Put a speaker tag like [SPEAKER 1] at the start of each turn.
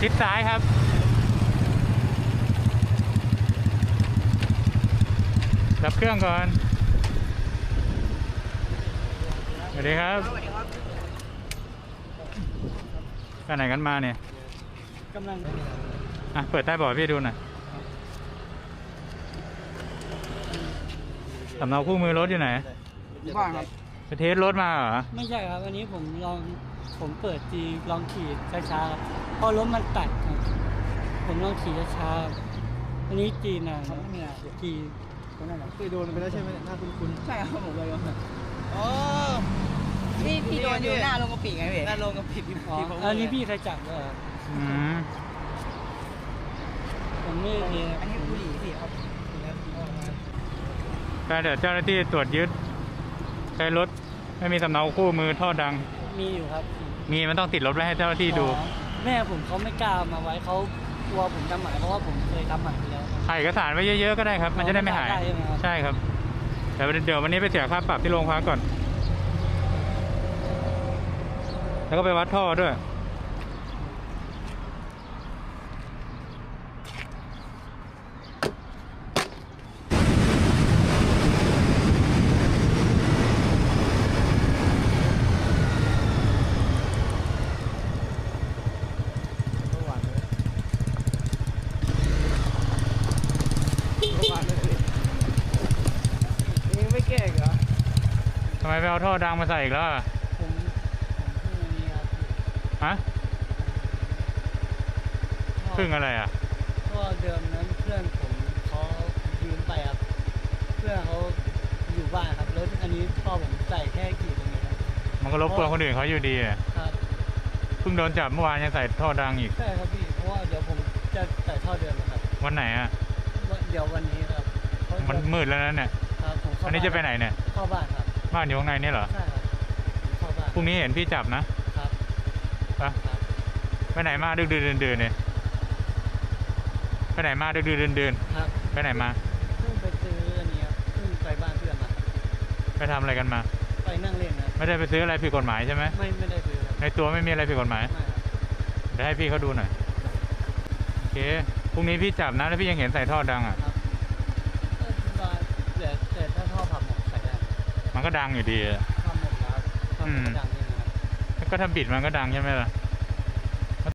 [SPEAKER 1] ชิดซ้ายครับดับเครื่องก่อนสวัสดีครับกันไหนกันมาเนี่ย
[SPEAKER 2] กำลัง
[SPEAKER 1] เปิดใต้เบาะพี่ดูหน่อยสำเนาคู่มือรถอยู่ไหน
[SPEAKER 2] บ้างครับ
[SPEAKER 1] ไปเทสรถมาเหรอ
[SPEAKER 2] ไม่ใช่ครับอันนี้ผมเปิดจีลองขี่ช้าๆพอรถมันตัดครับผมลองขี่ช้าๆอันนี้จีนะจีคนนั้นเคยโดนไปแล้วใช่ไหมหน้าคุ้นๆใช่ครับผมเลยครับอ๋อ
[SPEAKER 3] พี่โดนอยู่หน้าลงกระปิไงพี่
[SPEAKER 2] หน้าลงกระปิพี่อันนี้พี่ใครจับเลยผมไม่เห็น
[SPEAKER 3] อันนี้บุหรี่พี่ครับ
[SPEAKER 1] แต่เดี๋ยวเจ้าหน้าที่ตรวจยึดใช้รถไม่มีสำเนาคู่มือท่อดัง
[SPEAKER 2] มีอยู่ครับ
[SPEAKER 1] มีมันต้องติดรถไว้ให้เจ้าหน้าที่ดู
[SPEAKER 2] แม่ผมเขาไม่กล้ามาไว้เขากลัวผมทำหมันเพราะว่าผมเคยทำหมันไปแล้ว
[SPEAKER 1] ถ่ายเอกสารไว้เยอะๆก็ได้ครับมันจะได้ไม่หายใช่ครับแต่เดี๋ยววันนี้ไปเสียค่าปรับที่โรงพักก่อนแล้วก็ไปวัดท่อด้วย
[SPEAKER 2] ไม่แก้เหรอ
[SPEAKER 1] ทำไมไปเอาท่อดังมาใส่อีกแล้ว
[SPEAKER 2] ผมนี่ครับ
[SPEAKER 1] ฮะพึ่งอะไรอ่ะ
[SPEAKER 2] ท่อเดิมนั้นเพื่อนผมเขายืมไปครับเพื่อนเขาอยู่บ้านครับแล้วอันนี้ท่อผมใส่แค่กี่ตรงนี้ครับ
[SPEAKER 1] มันก็รบกวนคนอื่นเขาอยู่ดี
[SPEAKER 2] ครับ
[SPEAKER 1] เพิ่งโดนจับเมื่อวานยังใส่ท่อดังอีก
[SPEAKER 2] ใช่ครับพี่เพราะว่าเดี๋ยวผมจะใส่ท่อเดิมนะครับ
[SPEAKER 1] วันไหนอ่ะ
[SPEAKER 2] เดี๋ยววันนี้ครับ
[SPEAKER 1] มันมืดแล้วนะเนี่ยอันนี้จะไปไหนเนี่ย
[SPEAKER 2] เข้าบ้านครับ
[SPEAKER 1] บ้านอยู่ข้างในนี่เหรอ
[SPEAKER 2] ใช่ครับเข้าบ้าน
[SPEAKER 1] พรุ่งนี้เห็นพี่จับนะครับไปไหนมาดึกดื่นเนี่ยไปไหนมาดึกดื่น
[SPEAKER 2] ครับ
[SPEAKER 1] ไปไหนมา
[SPEAKER 2] เพิ่งไปซื้ออันนี้ครับเพิ่งไปบ้านเพื่อนมา
[SPEAKER 1] ไปทำอะไรกันมา
[SPEAKER 2] ไปนั่งเล่นนะ
[SPEAKER 1] ไม่ได้ไปซื้ออะไรผิดกฎหมายใช่ไหม
[SPEAKER 2] ไม่ได้ซื้อ
[SPEAKER 1] ในตัวไม่มีอะไรผิดกฎหมายเดี๋ยวให้พี่เขาดูหน่อยโอเคพรุ่งนี้พี่จับนะแล้วพี่ยังเห็นใส่ท่อดังอ่ะ
[SPEAKER 2] แต่ถ้าท่อผับหมดใส่ได้
[SPEAKER 1] มันก็ดังอยู่ดี
[SPEAKER 2] ผับหมดแล้วดังนี่นะครับ
[SPEAKER 1] ก็ถ้าบิดมันก็ดังใช่ไหมล่ะ